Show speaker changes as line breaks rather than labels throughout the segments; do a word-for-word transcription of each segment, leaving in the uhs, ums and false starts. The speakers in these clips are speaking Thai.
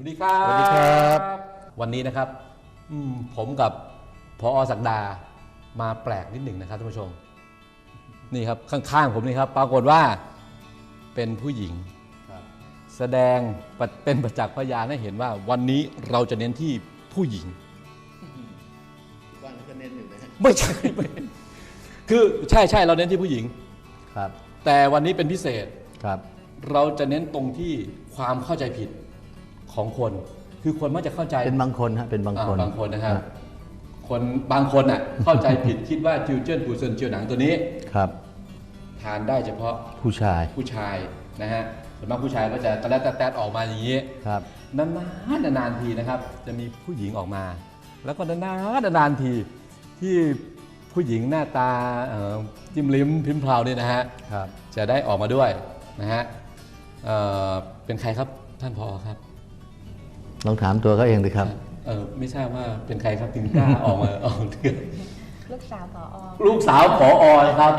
ดีครับสวัสดีครับวันนี้นะครับผมกับผอ.ศักดามาแปลกนิดหนึ่งนะครับท่านผู้ชมนี่ครับข้างๆผมนี่ครับปรากฏว่าเป็นผู้หญิงแสดงเป็นประจักษ์พยานให้เห็นว่าวันนี้เราจะเน้นที่ผู้หญิง
วันก็เน้นอยู่นะฮะ
ไม่ใช่คือใช่ใช่เราเน้นที่ผู้หญิง
ครับ
แต่วันนี้เป็นพิเศษ
ครับ
เราจะเน้นตรงที่ความเข้าใจผิดของคนคือคนมักจะเข้าใจ
เป็นบางคนฮะเป็นบางคน
บางคนนะครับคนบางคนอ่ะเข้าใจผิดคิดว่าจิวเจิ้นปูเซินเจียวหนังตัวนี้ครับทานได้เฉพาะ
ผู้ชาย
ผู้ชายนะฮะส่วนมากผู้ชายก็จะตะแลตะแตดออกมาอย่างนี้
ครับ
นานๆนานๆทีนะครับจะมีผู้หญิงออกมาแล้วก็นานๆนานๆทีที่ผู้หญิงหน้าตาจิ้มลิ้มพิมพ์พราวนี่นะฮะจะได้ออกมาด้วยนะฮะเ, เป็นใครครับท่านผอ.ครับ
ลองถามตัวเขาเองดิครับ
เออไม่ทราบว่าเป็นใครครับถึงกล้าออกมาออกเถื่อน
ลูกสาวผอ.
ลูกสาวผอ.ครับ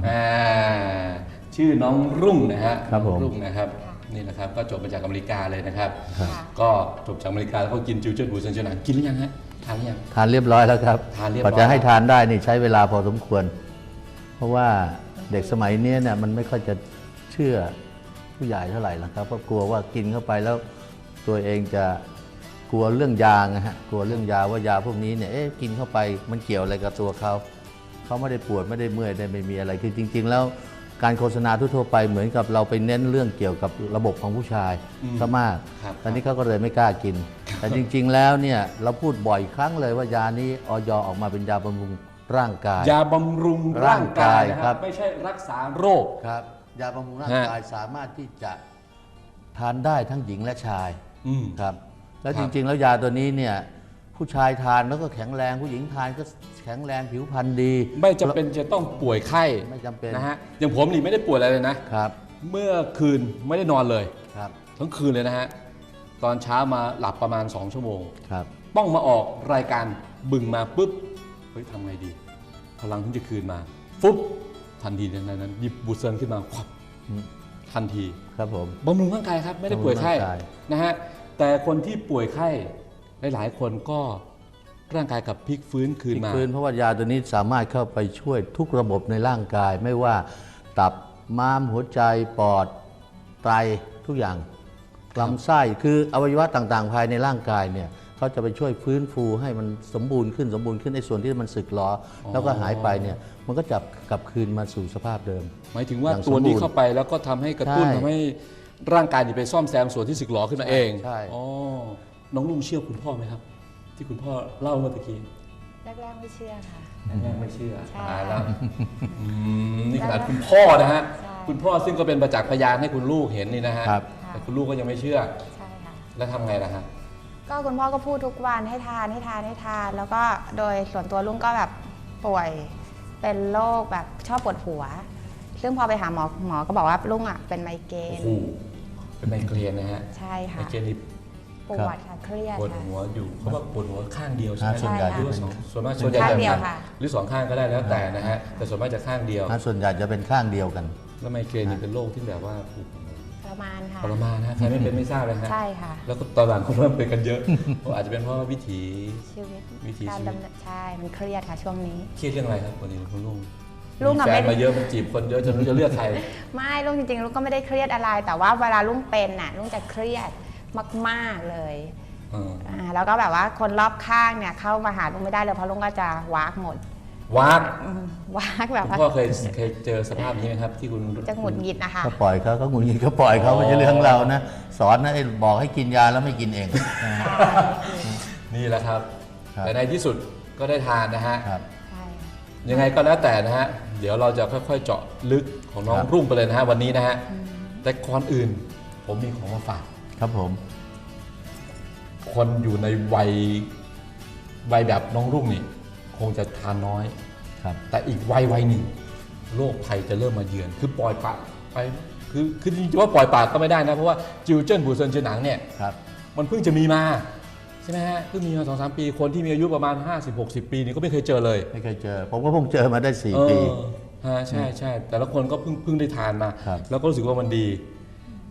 ชื่อน้องรุ่งนะฮะ
ครับผม
รุ่งนะครับนี่นะครับก็จบมาจากอเมริกาเลยนะครับก็จบจากอเมริกาแล้วก็กินจิวเจิ้นบูเซินเจียวหนังกินหรือยังฮะทานหรือยัง
ทานเรียบร้อยแล้วครับ
ทานเรียบร้อย
กว่าจะให้ทานได้นี่ใช้เวลาพอสมควรเพราะว่าเด็กสมัยนี้เนี่ยมันไม่ค่อยจะเชื่อผู้ใหญ่เท่าไหร่แล้วครับเพราะกลัวว่ากินเข้าไปแล้วตัวเองจะกลัวเรื่องยานะฮะกลัวเรื่องยาว่ายาพวกนี้เนี่ยเอ๊ะกินเข้าไปมันเกี่ยวอะไรกับตัวเขาเขาไม่ได้ปวดไม่ได้เมื่อยได้ไม่มีอะไรคือจริงๆแล้วการโฆษณาทั่วไปเหมือนกับเราไปเน้นเรื่องเกี่ยวกับระบบของผู้ชายซะมากตอนนี้เขาก็เลยไม่กล้ากินแต่จริงๆแล้วเนี่ยเราพูดบ่อยครั้งเลยว่ายานี้อย.ออกมาเป็นยาบำรุงร่างกาย
ยาบำรุงร่างกายครับไม่ใช่รักษาโรค
ครับยาบำรุงร่างกายสามารถที่จะทานได้ทั้งหญิงและชายครับแล้วจริงๆแล้วยาตัวนี้เนี่ยผู้ชายทานแล้วก็แข็งแรงผู้หญิงทานก็แข็งแรงผิวพรรณดี
ไม่จำเป็นจะต้องป่วยไข้
ไม่จำเป็น
นะฮะอย่างผมนี่ไม่ได้ป่วยอะไรเลยนะครับเมื่อคืนไม่ได้นอนเลย
ครับ
ทั้งคืนเลยนะฮะตอนเช้ามาหลับประมาณสองชั่วโมง
ครับ
ต้องมาออกรายการบึงมาปุ๊บเฮ้ยทำไงดีพลังที่จะคืนมาฟุ๊บทันทีในนั้นหยิบบูเซินขึ้นมาควับทันที
ครับผม
บำรุงร่างกายครับไม่ได้ป่วยไข้นะฮะแต่คนที่ป่วยไข้หลายๆคนก็ร่างกายกับพลิกฟื้นคืนมาพลิกฟื้น
เพราะว่ายาตัวนี้สามารถเข้าไปช่วยทุกระบบในร่างกายไม่ว่าตับม้ามหัวใจปอดไตทุกอย่างลำไส้คืออวัยวะต่างๆภายในร่างกายเนี่ยเขาจะไปช่วยฟื้นฟูให้มันสมบูรณ์ขึ้นสมบูรณ์ขึ้นในส่วนที่มันสึกหรอแล้วก็หายไปเนี่ยมันก็จะกลับคืนมาสู่สภาพเดิม
หมายถึงว่าตัวนี้เข้าไปแล้วก็ทำให้กระตุ้นทำให้ร่างกายนี่ไปซ่อมแซมส่วนที่สึกหรอขึ้นมาเอง
ใช่
อ๋อน้องลุงเชื่อคุณพ่อไหมครับที่คุณพ่อเล่าเมื่อกี้
แรกๆไม่เชื่อค่ะ
แรกๆไม่เชื่อตายแล้วนี่ขนาดคุณพ่อนะฮะคุณพ่อซึ่งก็เป็นประจักษ์พยานให้คุณลูกเห็นนี่นะฮะแต่คุณลูกก็ยังไม่เชื่อ
ใช่ค่ะ
แล้วทำไงล่ะฮะ
ก็คุณพ่อก็พูดทุกวันให้ทานให้ทานให้ทานแล้วก็โดยส่วนตัวลุงก็แบบป่วยเป็นโรคแบบชอบปวดหัวซึ่งพอไปหาหมอหมอก็บอกว่าลุงอ่ะเป็นไมเกรน
เป็นไมเกรนนะฮะ
ใช่ค่ะ
ไมเกรนนี่
ปวดค่ะเครียด
ปวดหัวอยู่เขาบอกปวดหัวข้างเดียวใช่ไหม
ส่วนใหญ่
หรือว่าส่วนมากส่วนใหญ่จะหรือสองข้างก็ได้แล้วแต่นะฮะแต่ส่วนมากจะข้างเดียว
ส่วนใหญ่จะเป็นข้างเดียวกัน
แล้วไมเกรนนี่เป็นโรคที่แบบว่า
ทรมานค่ะ
ทรมานนะใครไม่เป็นไม่ทราบเลยฮะ
ใช่ค่ะ
แล้วก็ตอนหลังคนเริ่มเป็นกันเยอะอาจจะเป็นเพราะวิถี
ชีวิต
วิถีชีวิต
ใช่มันเครียดค่ะช่วงนี้
เครียดเรื่องอะไรครับวันนี้คุณลุง
ลุง
แฟนมาเยอะมันจีบคนเยอะจนรู้จะเลือกใคร
ไม่ลุงจริงๆลุงก็ไม่ได้เครียดอะไรแต่ว่าเวลาลุงเป็นน่ะลุงจะเครียดมากๆเลยแล้วก็แบบว่าคนรอบข้างเนี่ยเข้ามาหาลุงไม่ได้เลยเพราะลุงก็จะวากหมด
วาก
วากแบบ
คุณพ่อเคยเคยเจอสภาพนี้ไหมครับที่คุณ
จะหงุดหงิดนะคะ
ก็ปล่อยเขาก็หงุดหงิดก็ปล่อยเขาไม่ใช่เรื่องเรานะสอนนะบอกให้กินยาแล้วไม่กินเอง
นี่แหละครับแต่ในที่สุดก็ได้ทานนะฮะ
ใช่
ยังไงก็แล้วแต่นะฮะเดี๋ยวเราจะค่อยๆเจาะลึกของน้องรุ่งไปเลยนะฮะวันนี้นะฮะแต่ก่อนอื่นผมมีของมาฝาก
ครับผม
คนอยู่ในวัยวัยแบบน้องรุ่งนี่คงจะทานน้อย
ครับ
แต่อีกวัยวัยหนึ่งโรคภัยจะเริ่มมาเยือนคือปล่อยปละไปคือคือจริงๆว่าปล่อยปละก็ไม่ได้นะเพราะว่าจิวเจิ้นบูเซินเจียวหนังเนี่ยมันเพิ่งจะมีมาใช่ไหมฮะเพิ่งมีมาสองสามปีคนที่มีอายุประมาณห้าสิบหกสิบปีนี่ก็ไม่เคยเจอเลย
ไม่เคยเจอผมก็เพิ่งเจอมาได้สี่ปี
ฮะใช่ใช่แต่ละคนก็เพิ่งเพิ่งได้ทานมาแล้วก็รู้สึกว่ามันดี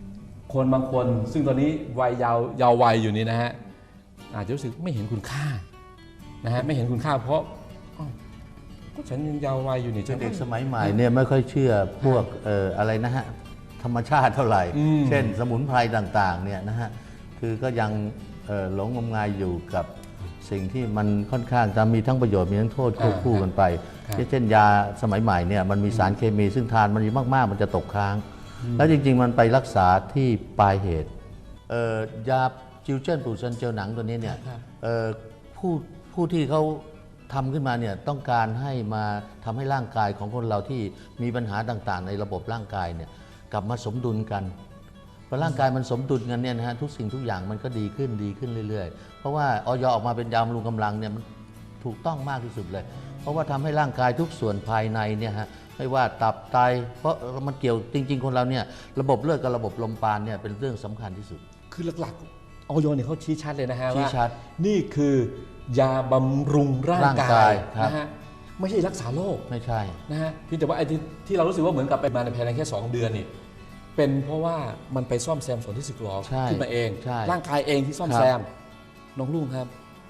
คนบางคนซึ่งตอนนี้วัยยาวยาววัยอยู่นี่นะฮะอาจจะรู้สึกไม่เห็นคุณค่านะฮะไม่เห็นคุณค่าเพราะอ้าวก็ฉันยังยาววัยอยู่นี่ฉัน
เด็กสมัยใหม่เนี่ยไม่ค่อยเชื่อพวกเอ่ออะไรนะฮะธรรมชาติเท่าไหร่
อืม
เช่นสมุนไพรต่างๆเนี่ยนะฮะคือก็ยังเอ่อหลงงมงายอยู่กับสิ่งที่มันค่อนข้างจะมีทั้งประโยชน์มีทั้งโทษควบคู่กันไป เช่นยาสมัยใหม่เนี่ยมันมีสารเคมีซึ่งทานมันมากๆมันจะตกค้าง แล้วจริงๆมันไปรักษาที่ปลายเหตุเอ่อยาจิวเจิ้นปูเซนเจลหนังตัวนี้เนี่ยเอ่อผู้ผู้ที่เขาทำขึ้นมาเนี่ยต้องการให้มาทำให้ร่างกายของคนเราที่มีปัญหาต่างๆ ในระบบร่างกายเนี่ยกลับมาสมดุลกันพอร่างกายมันสมดุลกันเนี่ยนะฮะทุกสิ่งทุกอย่างมันก็ดีขึ้นดีขึ้นเรื่อยๆเพราะว่าออยออกมาเป็นยาบำรุงกำลังเนี่ยมันถูกต้องมากที่สุดเลย เพราะว่าทำให้ร่างกายทุกส่วนภายในเนี่ยฮะไม่ว่าตับไตเพราะมันเกี่ยวจริงๆคนเราเนี่ยระบบเลือดกับระบบลมปราณเนี่ยเป็นเรื่องสำคัญที่สุด
คือหลักๆออยเนี่ยเขาชี้ชัดเลยนะฮะ
ชี้
ว่า
ชัด
นี่คือยาบำรุงร่าง
ร่าง
กาก
าย ยครับ
นะฮะไม่ใช่รักษาโรค
ไม่ใช่
นะฮะเพียงแต่ว่าไอ้ที่ที่เรารู้สึกว่าเหมือนกับไปมาในภายในแค่สองเดือนนี่เป็นเพราะว่ามันไปซ่อมแซมส่วนที่สึกหรอ
ใช่
ขึ้นมาเอง
ใช่
ร่างกายเองที่ซ่อม
ครับ
แซมน้องลุงครับ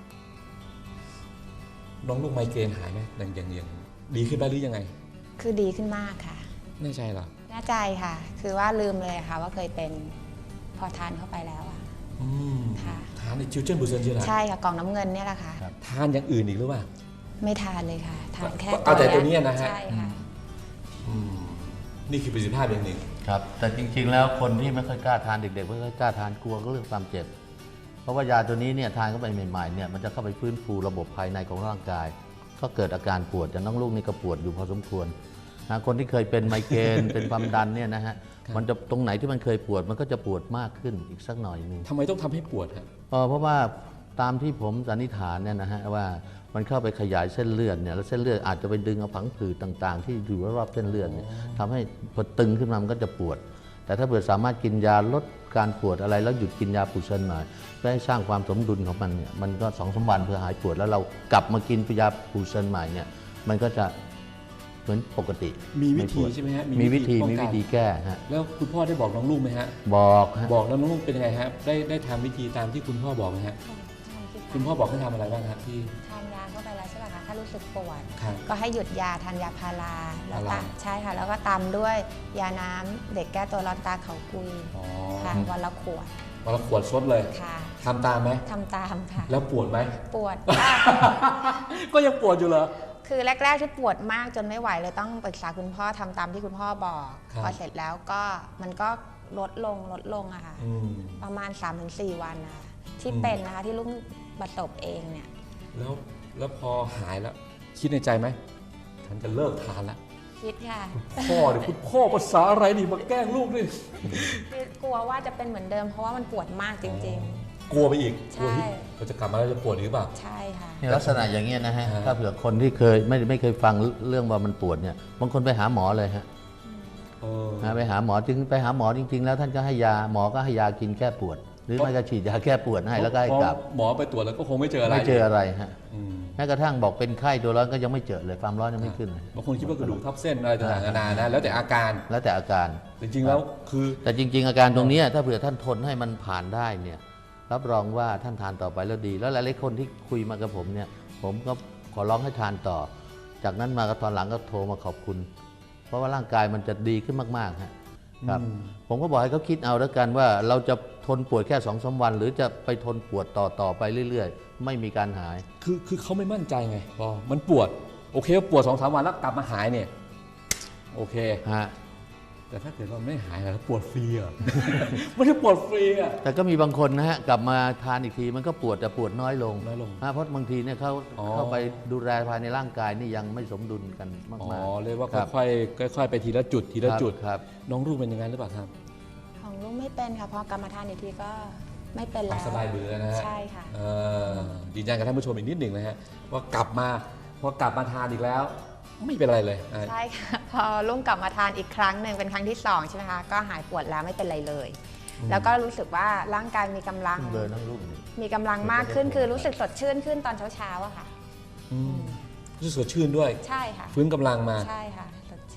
น้องลุงไมเกรนหายไหมอย่างอย่างอย่างดีขึ้นไปหรือยังไง
คือดีขึ้นมากค่ะ
แน่ใจเหรอ
แน่ใจค่ะ คือว่าลืมเลยค่ะว่าเคยเป็นพอทานเข้าไปแล้วอะ
อืม
ค่ะ
ทานในจิวเจนบูเซนใช่ไหม
ใช่ค่ะกล่องน้ำเงินเนี่ยแหละค่ะ
ครับ
ทานอย่างอื่นอีกหรือเปล่า
ไม่ทานเลยค่ะ ทานแค่
เอาแต่ตัวเนี้ยนะฮะ
ใช่ค่ะ
อืมนี่คือประสิทธิภาพอย่างหนึ่ง
ครับแต่จริงๆแล้วคนที่ไม่ค่อยกล้าทานเด็กๆไม่ค่อยกล้าทานกลัวก็เรื่องความเจ็บเพราะว่ายาตัวนี้เนี่ยทานเข้าไปใหม่ๆเนี่ยมันจะเข้าไปฟื้นฟูระบบภายในของร่างกาย ก็เกิดอาการปวดอย่างน้องลูกนี่ก็ปวดอยู่พอสมควรนะคนที่เคยเป็นไมเกรน เป็นความดันเนี่ยนะฮะมันจะตรงไหนที่มันเคยปวดมันก็จะปวดมากขึ้นอีกสักหน่อยหนึง
ทำไมต้องทำให้ปวดฮะ
เอ่อเพราะว่าตามที่ผมสันนิษฐานเนี่ยนะฮะว่ามันเข้าไปขยายเส้นเลือดเนี่ยแล้วเส้นเลือดอาจจะไปดึงเอาผังผืดต่างๆ ที่อยู่รอบๆเส้นเลือดเนี่ยทำให้พอตึงขึ้นมามันก็จะปวด แต่ถ้าเกิดสามารถกินยาลดการปวดอะไรแล้วหยุดกินยาปูเซนหน่อยเพื่อให้สร้างความสมดุลของมันเนี่ยมันก็สองสามวันเพื่อหายปวดแล้วเรากลับมากินยาปูเซนใหม่เนี่ยมันก็จะเหมือนปกติ
มีวิธี
ปด
ใช่ไหมฮะ
มีวิธี
ป้อง
มี
กัน
วิธีแก้ฮะ
แล้วคุณพ่อได้บอกน้องลุงไหมฮะ
บอกฮะ
บอกแล้วน้องลุงเป็นยังไงฮะได้ได้ทำวิธีตามที่คุณพ่อบอกไหมฮะคุณพ่อบอกให้ทำอะไรบ้างครับที่
ทานยาเข้าไปแล้วใช่ไหมคะถ้ารู้สึกปวด
ครับ
ก็ให้หยุดยาทานยาพาราแล้ว
พารา
ตามใช่ค่ะ แล้วก็ตามด้วยยาน้ำเด็กแก้ตัวร้อนตาเขากุย
อ๋อ
ค่ะวันละขวด
วันละขวดซดเลย
ค่ะ
ทำตามไหม
ทำตามค่ะ
แล้วปวดไหม
ปวด
ก็ยังปวดอยู่เหรอ
คือแรกๆที่ปวดมากจนไม่ไหวเลยต้องปรึกษาคุณพ่อทำตามที่คุณพ่อบอก
ครับ
พอเสร็จแล้วก็มันก็ลดลงลดลงอะค่ะ
อืม
ประมาณ สามถึงสี่ วันนะคะที่
อืม
เป็นนะคะที่ลุงประสบเองเนี่ย
แล้วแล้วพอหายแล้ว คิดในใจไหมฉันจะเลิกทานแล้ว
คิดค่ะ
พ่อเดี๋ยวคุณพ่อภาษาอะไรนี่มาแกล้งลูกนี่
คือกลัวว่าจะเป็นเหมือนเดิมเพราะว่ามันปวดมากจริง
กลัวไปอีก
ใช่
กลัวที่เราจะกลับมาแล้วจะปวดอีกหรือเปล่า
ๆ ใช่ค่ะ
เนี่ยลักษณะอย่างเงี้ยนะฮะ
ฮะ
ถ้าเผื่อคนที่เคยไม่ไม่เคยฟังเรื่องว่ามันปวดเนี่ยบางคนไปหาหมอเลยฮะ
เออ
นะไปหาหมอจึงไปหาหมอจริง ๆ แล้วท่านก็ให้ยาหมอก็ให้ยากินแก้ปวด หรือไม่ก็ฉีดยาแก้ปวดให้แล้วก็ให้กลับ
เพราะหมอไปตรวจแล้วก็คงไม่เจออะไร
ไม่เจออะไรฮะ
อืม
แม้กระทั่งบอกเป็นไข้ตัวร้อนก็ยังไม่เจอเลยความร้อนยังไม่ขึ้นเลย
บางคนคิดว่ากระดูกทับเส้นอะไรต่างๆนานานะแล้วแต่อาการ
แล้วแต่อาการ
จริงๆแล้วคือ
แต่จริง ๆ อาการตรงเนี้ยถ้าเผื่อท่านทนให้มันผ่านได้เนี่ยรับรองว่าท่านทานต่อไปแล้วดี แล้วหลายๆคนที่คุยมากับผมเนี่ยผมก็ขอร้องให้ทานต่อ จากนั้นมาก็ตอนหลังก็โทรมาขอบคุณ เพราะว่าร่างกายมันจะดีขึ้นมากๆฮะครับ
อืม
ผมก็บอกให้เขาคิดเอาแล้วกันว่าเราจะทนปวดแค่สองสามวัน หรือจะไปทนปวดต่อต่อไปเรื่อยๆ ไม่มีการหาย
คือคือเขาไม่มั่นใจไงพอมันปวด โอเคปวดสองสามวันแล้วกลับมาหายเนี่ยโอเค
ฮะ
แต่ถ้าเกิดว่าไม่หายแล้วปวดฟรีอ่ะ ไม่ได้ปวดฟรีอ่ะ
แต่ก็มีบางคนนะฮะกลับมาทานอีกทีมันก็ปวดแต่ปวดน้อยลง
น้อยลง
ฮะเพราะบางทีเนี่ยเขา
อ๋อ
เข้าไปดูแลภายในร่างกายนี่ยังไม่สมดุลกันมาก
อ๋อ
ๆ
เรียกว่า
ครับ
ค่อยๆค่อยๆไปทีละจุดทีละจุด
ครับ
น้องลูกเป็นยังไงหรือเปล่าครับ
ของลุงไม่เป็นค่ะพอกลับมาทานอีกทีก็ไม่เป็นแล้ว
สบายมือแล้วนะฮะ
ใช่ค่ะ
เอ่อยืนยันกับท่านผู้ชมอีกนิดหนึ่งนะฮะว่ากลับมาพอกลับมาทานอีกแล้ว ไม่เป็นอะไรเลยอ่ะ
ใช่ค่ะ พอลุงกลับมาทานอีกครั้งหนึ่งเป็นครั้งที่สองใช่ไหมคะก็หายปวดแล้วไม่เป็นไรเลย แล้วก็รู้สึกว่าร่างกายมีกำลัง
เบอร์นั่งรูปนี่
มีกำลังมากขึ้นคือรู้สึกสดชื่นขึ้นตอนเช้าๆอะค่ะ
อืมรู้สึกสดชื่นด้วย
ใช่ค่ะ
ฟื้นกำลังมา
ใช่ค่ะสดชื่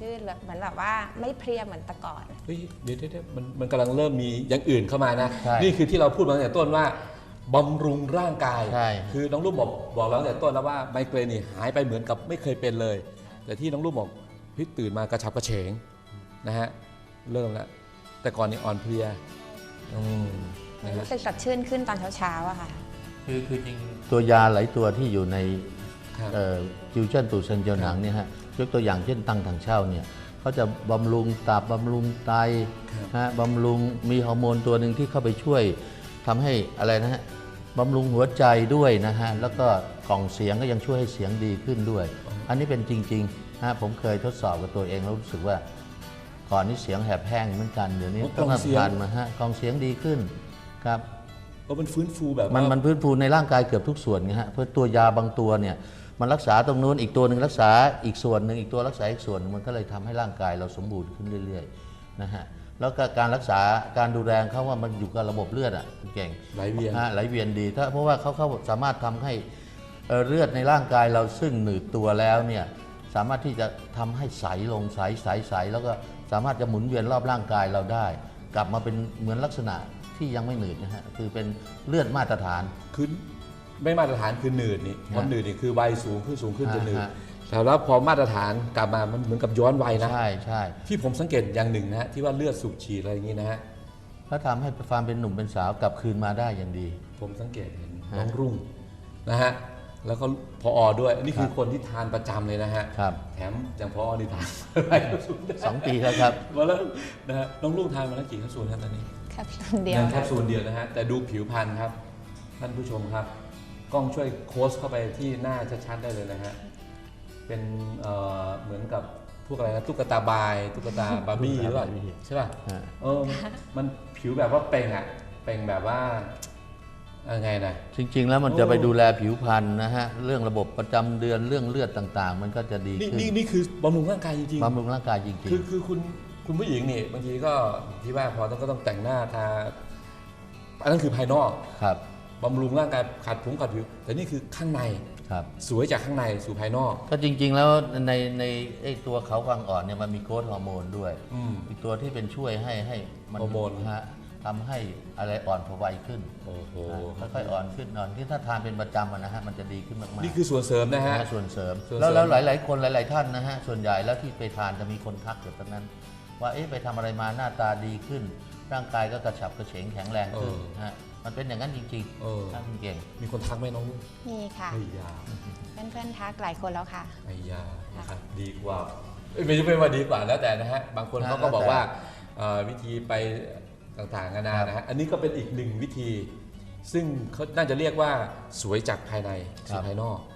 ชื่นแบบเหมือนแบบว่าไม่เพลียเหมือนแต่ก่อน
เฮ้ยเดี๋ยวเดี๋ยวมันมันกำลังเริ่มมีอย่างอื่นเข้ามานะ
ใช่
นี่คือที่เราพูดมาตั้งแต่ต้นว่าบำรุงร่างกาย
ใช่
คือน้องลูกบอกบอกเราตั้งแต่ต้นแล้วว่าไมเกรนนี่หายไปเหมือนกับไม่เคยเป็นเลย แต่ที่น้องลูกบอกพี่ตื่นมากระฉับกระเฉงนะฮะเริ่มแล้วแต่ก่อนนี่อ่อนเพลียอืมนะฮะ
รู้สึกสดชื่นขึ้นตอนเช้าๆอะค่ะ
คือคือจริงตัวยาหลายตัวที่อยู่ใน
ครับ
ฟิวชั่นตูเซนเจียวหนังเนี่ยฮะยกตัวอย่างเช่นตังถังเช่าเนี่ยเขาจะบำรุงตับบำรุงไต
ครับ
ฮะบำรุงมีฮอร์โมนตัวหนึ่งที่เข้าไปช่วยทำให้อะไรนะฮะบำรุงหัวใจด้วยนะฮะแล้วก็กล่องเสียงก็ยังช่วยให้เสียงดีขึ้นด้วย อันนี้เป็นจริงๆฮะผมเคยทดสอบกับตัวเองแล้วรู้สึกว่าก่อนนี้เสียงแหบแห้งเหมือนกันเดี๋ยวนี้
อ๋อกล่
ต้
อ
อง ง
เสียง
ทานมาฮะกล่องเสียงดีขึ้นครับ
เพราะมันฟื้นฟูแบบ
มัน
ว่า
มันพื้นฟูในร่างกายเกือบทุกส่วนไงฮะเพราะตัวยาบางตัวเนี่ยมันรักษาตรงนู้นอีกตัวหนึ่งรักษาอีกส่วนหนึ่งอีกตัวรักษาอีกส่วนหนึ่งมันก็เลยทำให้ร่างกายเราสมบูรณ์ขึ้นเรื่อยๆนะฮะแล้วก็การรักษาการดูแลเขาว่ามันอยู่กับระบบเลือดอ่ะเก่ง
ไหลเวียน
ฮะไหลเวียนดีถ้าเพราะว่าเขาเขาสามารถทำให้เอ่อเลือดในร่างกายเราซึ่งหนืดตัวแล้วเนี่ยสามารถที่จะทำให้ใสลงใสใสใสแล้วก็สามารถจะหมุนเวียนรอบร่างกายเราได้ กลับมาเป็นเหมือนลักษณะที่ยังไม่หนืดนะฮะคือเป็นเลือดมาตรฐาน
คือไม่มาตรฐานคือหนืดนี่พอ
ฮะ
หนืดนี่คือวัยสูงขึ้นสูงขึ้นจะหนืด
ฮะ
แต่แล้วพอมาตรฐานกลับมามันเหมือนกับย้อนวัยนะ
ใช่ใช่
ที่ผมสังเกตอย่างหนึ่งนะฮะที่ว่าเลือดสูบฉีดอะไรอย่างนี้นะฮะ
ก็ทำให้ความเป็นหนุ่มเป็นสาวกลับคืนมาได้อย่างดี
ผมสังเกตเห็น
ฮะ
น้องรุ่งนะฮะแล้วก็พออด้วยนี่คือ
ครับ
คนที่ทานประจำเลยนะฮะ
ครับ
แถมอย่างพออนี่ทานไปแคปซูลได้
สองปีแล้วครับ
มาแล้วนะฮะน้องรุ่งทานมาแล้วกี่แคปซูลครับตอนนี้
แคปซูลเดียว
แคปซูลเดียวนะฮะแต่ดูผิวพรรณครับท่านผู้ชมครับกล้องช่วยโค้ชเข้าไปที่หน้าชัดๆได้เลยนะฮะเป็นเอ่อเหมือนกับพวกอะไรนะตุ๊กตาบายตุ๊กตาบาร์บี้หรือเปล่า
บาร์บี้
ใช่ป่ะ
ฮะ
เออมันผิวแบบว่าเป่งอ่ะเป่งแบบว่ายังไงนะ
จริง ๆ แล้วมันจะ
โอ้
ไปดูแลผิวพรรณนะฮะเรื่องระบบประจำเดือนเรื่องเลือดต่างๆ มันก็จะดี
นี่
ขึ้น
นี่นี่คือบำรุงร่างกายจริง
บำรุงร่างกายจริง
ๆคือคือคุณคุณผู้หญิงนี่บางทีก็ที่ว่าพอต้องก็ต้องแต่งหน้าทาอันนั้นคือภายนอก
ๆ ครับ
บำรุงร่างกายขัดผงขัดผิว แต่นี่คือข้างใน
ครับ
สวยจากข้างในสู่ภายนอก
ก็จริง ๆ แล้วในในไอ้ตัวเขากวางอ่อนเนี่ยมันมีโกรทฮอร์โมนด้วย
อืม
อีกตัวที่เป็นช่วยให้ให้มั
ฮอร์โมน
ฮะทำให้อะไรอ่อนพอวัยขึ้น
โอ้โห
นะค่อยๆอ่อนขึ้นอ่อนที่ถ้าทานเป็นประจำอะนะฮะมันจะดีขึ้นมากๆ
นี่คือส่วนเสริมนะฮะ
นะฮะส่วนเสริม
ส่วนเสริม
แล้วแล้วหลาย ๆ คนหลาย ๆ ท่านนะฮะส่วนใหญ่แล้วที่ไปทานจะมีคนทักอยู่ตรงนั้น ว่าเอ๊ะไปทำอะไรมาหน้าตาดีขึ้น ร่างกายก็กระฉับกระเฉงแข็งแรงขึ้นฮะมันเป็นอย่างนั้นจริง
เออ
ๆท่านเก่ง
มีคนทักไหมน้องลูก
มีค่ะ
ไอ้ยา
เพื่อนๆทักหลายคนแล้วค่ะ
ไอ้ยานะครับดีกว่าเอ้ยไม่ใช่ไม่ว่าดีกว่าแล้วแต่นะฮะบางคน
นะ
เขาก็บอก
แล้วแต่
ว่าเอ่อวิธีไปต่างๆนานานะฮะอันนี้ก็เป็นอีกหนึ่งวิธี ซึ่งเขาน่าจะเรียกว่าสวยจากภายในสู่ภายนอก